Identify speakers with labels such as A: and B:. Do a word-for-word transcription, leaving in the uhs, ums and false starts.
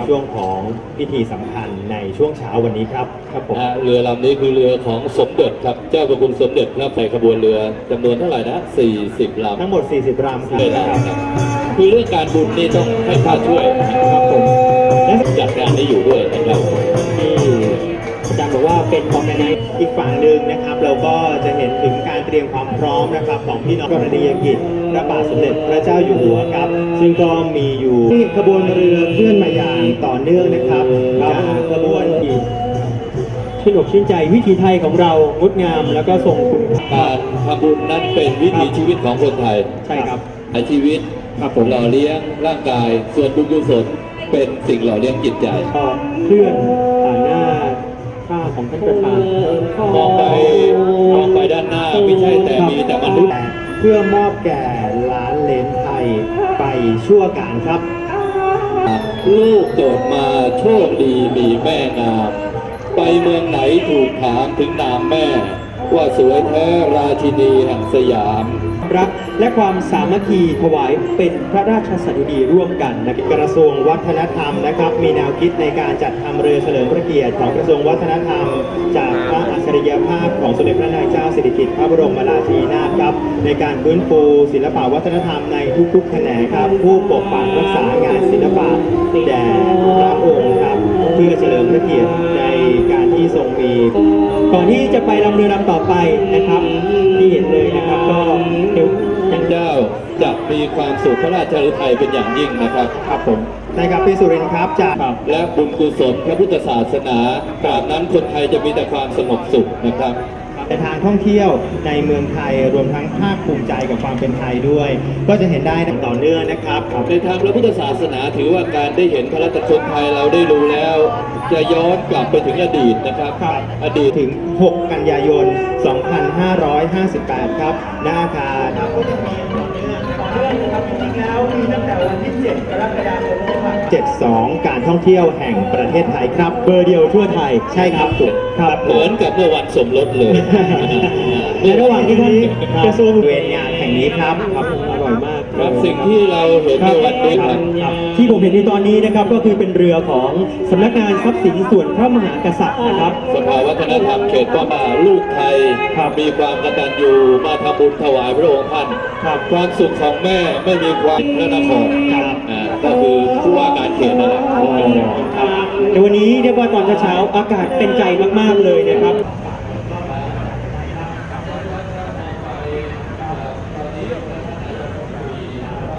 A: ช่วงของพิธีสำคัญในช่วงเช้าวันนี้ครับครับผม
B: เรือลำนี้คือเรือของสมเด็จครับเจ้าพระคุณสมเด็จครับใส่ขบวนเรือจำนวนเท่าไหร่นะสี่สิบลำ
A: ทั้งหมดสี่สิบลำครับ
B: คือเรื่องการบุญนี่ต้องให้พระช่วยนะครับผมและจัดงานนี้อยู่ด้วยนะครับ
A: ที่อาจารย์บอกว่าเป็นของในอีกฝั่งหนึ่งนะครับ เราก็จะเห็นถึงการเตรียมความพร้อมนะครับของพี่น้องกรณียกิจพระบาทสมเด็จพระเจ้าอยู่หัวครับซึ่งก็มีอยู่ที่ขบวนเรือเคลื่อนมาอย่างต่อเนื่องนะครับจากขบวนที่ชื่นอกชื่นใจวิถีไทยของเรางดงามแล้วก็ทรงคุณค่า
B: การทำบุญนั้นเป็นวิถีชีวิตของคนไทย
A: ใช่ครับ
B: ในชีวิตหล่อเลี้ยงร่างกายส่วนบุญกุศลเป็นสิ่งหล่อเลี้ยงจิตใจ
A: ก็เคลื่อนผ่านหน้าข้าของท่านประธาน
B: มองไปมองไปด้านหน้าไม่ใช่แต่มีแต่มนุษย์
A: เพื่อมอบแก่ล้านเลนไทยไปชั่วการครับ
B: ลูกเกิดมาโชคดีมีแม่งามไปเมืองไหนถูกถามถึงนามแม่ว่าสวยแท้ราชินีแห่งสยาม
A: รักและความสามัคคีถวายเป็นพระราชสดุดีร่วมกันนะกระทรวงวัฒนธรรมนะครับมีแนวคิดในการจัดทำเรือเฉลิมพระเกียรติของกระทรวงวัฒนธรรมจากพระอัจฉริยภาพของสมเด็จพระนางเจ้าสิริกิติ์พระบรมราชินีนาถครับในการฟื้นฟูศิลปวัฒนธรรมในทุกๆแขนงครับผู้ปกปักรักษางานศิลปะแด่พระองค์ครับเพื่อเฉลิมพระเกียรติในการที่ทรงมีก่อนที่จะไปลำเรือลำต่อไปนะครับที่เห็นเลยนะครับก็เดี๋ยว
B: ยังเจ้าจะมีความสุขพระราชฤทัยเป็นอย่างยิ่งนะครับ
A: ครับผมในครับพี่สุรินทร์ครับจาก
B: และบุญกุศลพระพุทธศาสนาตราบนั้นคนไทยจะมีแต่ความสงบสุขนะครับ
A: ในทางท่องเที่ยวในเมืองไทยรวมทั้งภาคภูมิใจกับความเป็นไทยด้วยก็จะเห็นได้ต่อเนื่องนะครับ
B: ในทางพระพุทธศาสนาถือว่าการได้เห็นพระราชชนไทยเราได้รู้แล้วจะย้อนกลับไปถึงอดีตนะครับ
A: อดีตถึงหกกันยายนสองพันห้าร้อยห้าสิบแปดครับหน้าอาคารแล้วมีตั้งแต่วันที่เจ็ดกรกฎาคมเจ็ดสองการท่องเที่ยวแห่งประเทศไทยครับเบอร์เดียวทั่วไทยใช่ครับถูก
B: ครับเหมือนกับเมื่อวันสมรสเลย
A: ในระหว่างที่ท่านกระทรวงเวรงานแห่งนี้ครับครับอร่อยมาก
B: ครับสิ่งที่เราเห็นในวันนี้ครับ
A: ที่ผมเห็นในตอนนี้นะครับก็คือเป็นเรือของสำนักงานทรัพย์สินส่วนพระมหากษัตริย์นะครับ
B: สภาวัฒนธรรมเขตป้อมลูกไทยมีความกตัญญูมาทำบุญถวายพระองค์ท่านความสุขของแม่ไม่มีความพระนครก็คือผู้ว่าการเขตนั่นแหละ
A: ในวันนี้เรียกว่าตอนเช้าอากาศเป็นใจมากๆเลยนะครับ